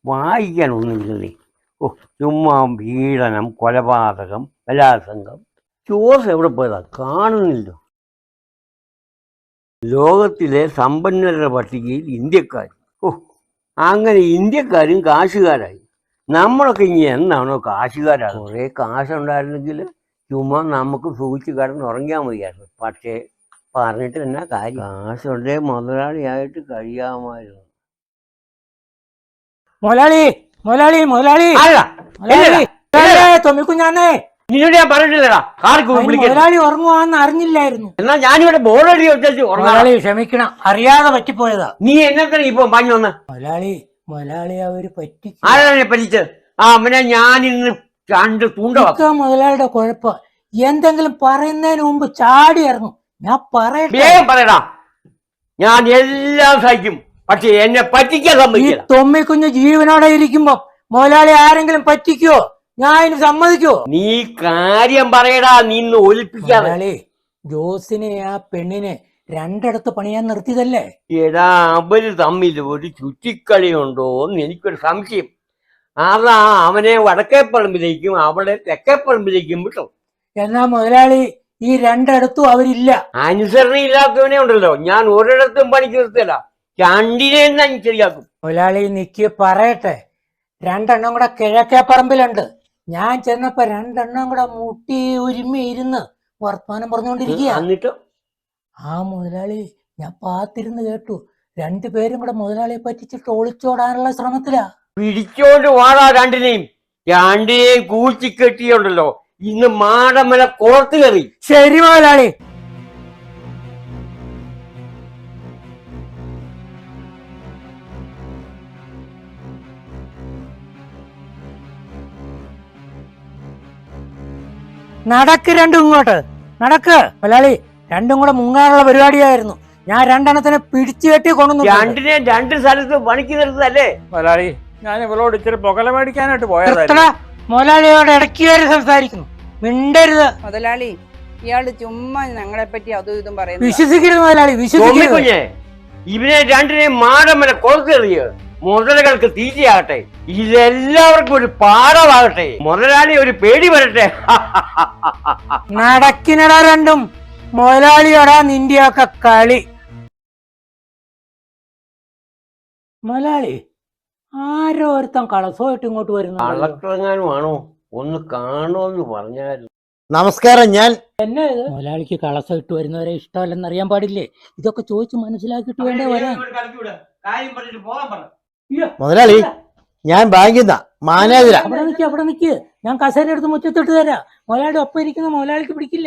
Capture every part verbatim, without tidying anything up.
വായിക്കാനൊന്നുമില്ലേ? ഓ, ചുമ്മാ പീഡനം, കൊലപാതകം, ബലാത്സംഗം. ജോസ് എവിടെ പോയതാ? കാണുന്നില്ല. ലോകത്തിലെ സമ്പന്നരുടെ പട്ടികയിൽ ഇന്ത്യക്കാർ. ഓ, അങ്ങനെ ഇന്ത്യക്കാരും കാശുകാരായി. നമ്മളൊക്കെ ഇനി എന്നാണോ കാശുകാരാണ്? കുറേ കാശുണ്ടായിരുന്നെങ്കിൽ ചുമ്മാ നമുക്ക് സൂക്ഷിച്ച് കിടന്ന് ഉറങ്ങിയാൽ മതിയായിരുന്നു. പക്ഷേ പറഞ്ഞിട്ട് എന്നാ കാര്യം? കാശുണ്ടേ മുതലാളിയായിട്ട് കഴിയാമായിരുന്നു. മുതലാളി മുതലാളി മുതലാളി തൊമ്മിക്കുഞ്ഞാന്നേ, നിന്നോട് ഞാൻ പറഞ്ഞിട്ടില്ലടാ മുതലാളി ഉറങ്ങുവാന്ന് അറിഞ്ഞില്ലായിരുന്നു. എന്നാ ഞാനിവിടെ ബോർഡടി വെച്ചു. മുതലാളി ക്ഷമിക്കണം, അറിയാതെ പറ്റിപ്പോയതാ. നീ എന്നത്ര ഇപ്പൊ പറഞ്ഞു വന്ന്? മുതലാളി മുതലാളി അവര് പറ്റി. ആരാണ് പറ്റിച്ചത്? ആ അവനെ ഞാൻ ഇന്ന് രണ്ട് തൂണ്ട. മുതലാളിയുടെ കുഴപ്പം എന്തെങ്കിലും പറയുന്നതിന് മുമ്പ് ചാടി ഇറങ്ങും. ഞാൻ പറയട്ടെ? പറയടാ, ഞാൻ എല്ലാം സഹിക്കും, പക്ഷെ എന്നെ പറ്റിക്കാൻ സമ്മതിക്കില്ല. തൊമ്മിക്കുഞ്ഞ് ജീവനോടെ ഇരിക്കുമ്പോ മുതലാളി ആരെങ്കിലും പറ്റിക്കോ? ഞാൻ ഇതിന് സമ്മതിക്കോ? നീ കാര്യം പറയടാ, നിന്ന് ഒലിപ്പിക്കാതെ. ജോസിനെ ആ പെണ്ണിനെ രണ്ടിടത്ത് പണിയാൻ നിർത്തിയതല്ലേ? എടാ, അവര് തമ്മിൽ ഒരു ചുറ്റിക്കളിയുണ്ടോ എന്ന് എനിക്കൊരു സംശയം. അതാ അവനെ വടക്കേപ്പറമ്പിലേക്കും അവളെ തെക്കേപ്പറമ്പിലേക്കും വിട്ടു. എന്നാ മുതലാളി ഈ രണ്ടിടത്തും അവരില്ല. അനുസരണ ഇല്ലാത്തവനെ ഉണ്ടല്ലോ ഞാൻ ഒരിടത്തും പണിക്ക് നിർത്തില്ല. രണ്ടിനെ ഞാൻ ശരിയാക്കും. മുതലാളി നിക്ക് പറയട്ടെ. രണ്ടെണ്ണം കൂടെ കിഴക്കേ പറമ്പിലുണ്ട്. ഞാൻ ചെന്നപ്പോ രണ്ടെണ്ണം കൂടെ മുട്ടി ഒരുമി ഇരുന്ന് വർത്തമാനം പറഞ്ഞുകൊണ്ടിരിക്കുക. എന്നിട്ട് ആ മുതലാളി ഞാൻ പാത്തിരുന്ന് കേട്ടു. രണ്ടുപേരും കൂടെ മുതലാളിയെ പറ്റിച്ചിട്ട് ഒളിച്ചോടാനുള്ള ശ്രമത്തിലാ. പിടിച്ചോണ്ട് വാടാ രണ്ടിനെയും. രണ്ടിനെയും കൂച്ചിക്കെട്ടിയുണ്ടല്ലോ ഇന്ന് മാടമല കോർത്ത് കയറി. ശരി മുതലാളി. നടക്ക് രണ്ടും ഇങ്ങോട്ട് നടക്ക്. മുതലാളി രണ്ടും കൂടെ മുങ്ങാനുള്ള പരിപാടിയായിരുന്നു. ഞാൻ രണ്ടെണ്ണത്തിനെ പിടിച്ചു കെട്ടി കൊണ്ടു. രണ്ടിനെ രണ്ട് സ്ഥലത്ത് പണിക്ക് നിർത്തല്ലേ മുതലാളി? ഞാൻ ഇവളോട് ഇച്ചിരി പുകല മേടിക്കാനായിട്ട് പോയതാ. മുതലാളിയോട് ഇടയ്ക്ക് കയറി സംസാരിക്കുന്നു, മിണ്ടരുത്. മുതലാളി ഇയാള് ചുമ്മാ ഞങ്ങളെ പറ്റി അതും ഇതും പറയുന്നു. വിശ്വസിക്കരുത് മുതലാളി, വിശ്വസിക്കരുത്. ഇവനെ രണ്ടിനെ മാടമല കോർത്തേറിയ മുതലകൾക്ക് തീറ്റയാകട്ടെ. ഇതെല്ലാവർക്കും ഒരു പാഠമാകട്ടെ. മുതലാളി ഒരു പേടി വരട്ടെ. നടക്കിനടാ രണ്ടും. മുതലാളിയോടാ നിന്റെയൊക്കെ കളി. മുതലാളി ആരോ ഒരുത്തം കളസമായിട്ട് ഇങ്ങോട്ട് വരുന്നു. കളക്ടറെങ്ങാനുമാണോ? ഒന്ന് കാണുമെന്ന് പറഞ്ഞായിരുന്നു. നമസ്കാരം. ഞാൻ എന്നെ മുതലാളിക്ക് കളസം ഇട്ട് വരുന്നവരെ ഇഷ്ടമല്ലെന്ന് അറിയാൻ പാടില്ലേ? ഇതൊക്കെ ചോദിച്ചു മനസ്സിലാക്കിയിട്ട് വേണ്ടേ വരാൻ. മുതലാളി, ഞാൻ ബാങ്കിൽ നിന്നാ മാനേജരാ. അവിടെ നിൽക്ക്, അവിടെ നിൽക്ക്. ഞാൻ കസേര എടുത്ത് മുറ്റത്തിട്ട് തരാം. മുതലാളി ഒപ്പം ഇരിക്കുന്ന മുതലാളിക്ക് പിടിക്കില്ല.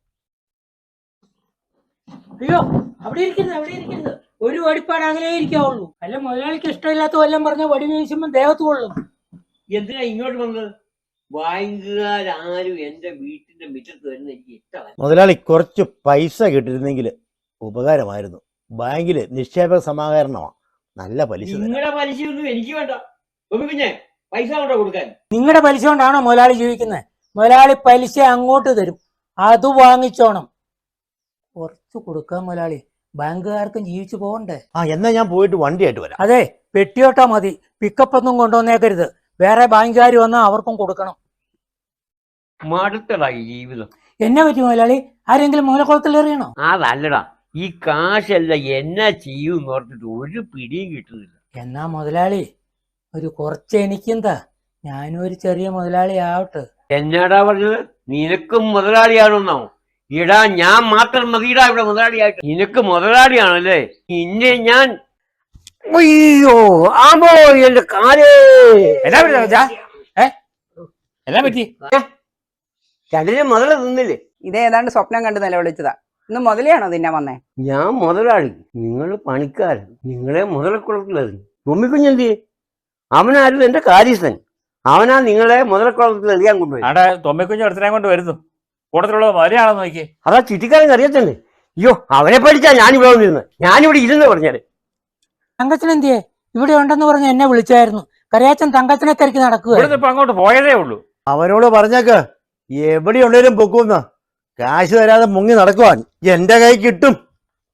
അയ്യോ, അവിടെ ഇരിക്കരുത്, അവിടെ ഇരിക്കരുത്. ഒരു വടിപ്പാട് അങ്ങനെ ഇരിക്കാവുള്ളൂ. അല്ല മുതലാളിക്ക് ഇഷ്ടമില്ലാത്ത വല്ലതും പറഞ്ഞ വടി വീശുമ്പോ ദേഹത്ത് കൊള്ളും. എന്തിനാ ഇങ്ങോട്ട് വന്നത്? ബാങ്കുകാരും എന്റെ വീട്ടിന്റെ മുറ്റത്ത് വരുന്ന എനിക്ക് ഇഷ്ടമാണ്. മുതലാളി, കുറച്ച് പൈസ കിട്ടിയിരുന്നെങ്കിൽ ഉപകാരമായിരുന്നു. ബാങ്കില് നിക്ഷേപ സമാഹരണമാണ്, നല്ല പലിശ. നിങ്ങളുടെ പലിശയൊന്നും എനിക്ക് വേണ്ട. പിന്നെ പൈസ കൊണ്ടോ കൊടുക്കാൻ? നിങ്ങളുടെ പലിശ കൊണ്ടാണോ മുതലാളി ജീവിക്കുന്നത്? മുതലാളി പലിശ അങ്ങോട്ട് തരും, അത് വാങ്ങിച്ചോണം. കുറച്ച് കൊടുക്കാൻ മുതലാളി, ബാങ്കുകാർക്കും ജീവിച്ചു പോകണ്ടേ. ആ എന്നാ ഞാൻ പോയിട്ട് വണ്ടിയായിട്ട് വരാം. അതെ, പെട്ടിയോട്ടാ മതി. പിക്കപ്പ് ഒന്നും കൊണ്ടുവന്നേക്കരുത്. വേറെ ബാങ്കുകാർ വന്നാൽ അവർക്കും കൊടുക്കണം. മടുത്തടാ ഈ ജീവിതം. എന്നെ പറ്റി മുതലാളി? ആരെങ്കിലും മൂലക്കുളത്തിൽ എറിയണോ? അതല്ലടാ, ഈ കാശല്ല എന്നാ ചെയ്യും ഓർത്തിട്ട് ഒരു പിടിയും കിട്ടുന്നില്ല. എന്നാ മുതലാളി ഒരു കുറച്ച് എനിക്കെന്താ, ഞാനും ഒരു ചെറിയ മുതലാളി ആവട്ടെ. എന്നാടാ പറഞ്ഞത്? നിനക്കും മുതലാളിയാണെന്നോ? ഇടാ, ഞാൻ മാത്രം മതിയിടാ ഇവിടെ മുതലാളിയായിട്ട്. നിനക്ക് മുതലാളിയാണല്ലേ? ഇന്നെ ഞാൻ അയ്യോ ആമോ എന്റെ കാലേ. എന്നാ എന്നാ പറ്റി? രണ്ടിനെ മുതല തിന്നില്ലേ? ഇതേതാണ്ട് സ്വപ്നം കണ്ട് നിലവിളിച്ചതാ. ഇന്ന് മുതലെയാണോ തിന്നാൻ വന്നേ? ഞാൻ മുതലാളി, നിങ്ങൾ പണിക്കാരൻ. നിങ്ങളെ മുതലക്കുളത്തിലെറിഞ്ഞു. തുമ്മിക്കുഞ്ഞെന്തി? അവനാരും എന്റെ കാര്യസ്ഥൻ. അവനാ നിങ്ങളെ മുതലക്കുളത്തിൽ എറിയാൻ കൊണ്ടുപോയി. അവിടെ തൊമ്മിക്കുഞ്ഞ് ഒരുത്തനെ കൊണ്ട് വരുന്നു. കൂട്ടത്തിലുള്ള മലയാണെന്ന് നോക്കി. അതാ ചുറ്റിക്കാരൻ അറിയത്തന്നെ. അയ്യോ, അവനെ പഠിച്ചാ ഞാനിവിടെ വന്നിരുന്നത്. ഞാനിവിടെ ഇരുന്ന് പറഞ്ഞാല്. തങ്കച്ചൻ എന്തിയെ? ഇവിടെ ഉണ്ടെന്ന് പറഞ്ഞ് എന്നെ വിളിച്ചായിരുന്നു. കറിയാച്ചൻ തങ്കച്ചനെ തിരക്കി നടക്കുക. ഇപ്പൊ അങ്ങോട്ട് പോയതേ ഉള്ളൂ. അവനോട് പറഞ്ഞേക്ക് എവിടെയുള്ളവരും പൊക്കുന്ന കാശ് തരാതെ മുങ്ങി നടക്കുവാൻ. എന്റെ കൈ കിട്ടും.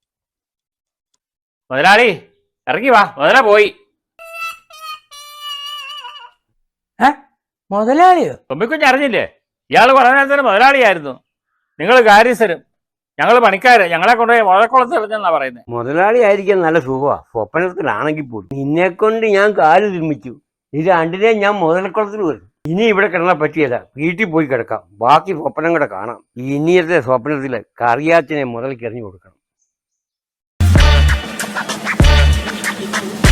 മുതലാളി ഇറങ്ങി വാ, മുതല പോയി. മുതലാളിയോ? തുമ്പിക്കുഞ്ഞ് അറിഞ്ഞില്ലേ? ഇയാൾ കുറേ നേരത്തിന് മുതലാളിയായിരുന്നു. നിങ്ങൾ കാര്യസ്ഥരും, ഞങ്ങൾ പണിക്കാര്. ഞങ്ങളെ കൊണ്ടുപോയി മുതലക്കുളത്ത് എറിഞ്ഞെന്നാ പറയുന്നത്. മുതലാളി ആയിരിക്കാൻ നല്ല സുഖമാണ്, സ്വപ്നത്തിലാണെങ്കിൽ പോലും. നിന്നെ കൊണ്ട് ഞാൻ കാല് തിരുമിച്ചു, ഇത് രണ്ടിനെ ഞാൻ മുതലക്കുളത്തിൽ വരും. ഇനി ഇവിടെ കിടന്നാൽ പറ്റിയല്ല, വീട്ടിൽ പോയി കിടക്കാം. ബാക്കി സ്വപ്നം കൂടെ കാണാം. ഇനിയത്തെ സ്വപ്നത്തിൽ കറിയാച്ചനെ മുതലേക്ക് എറിഞ്ഞു കൊടുക്കണം.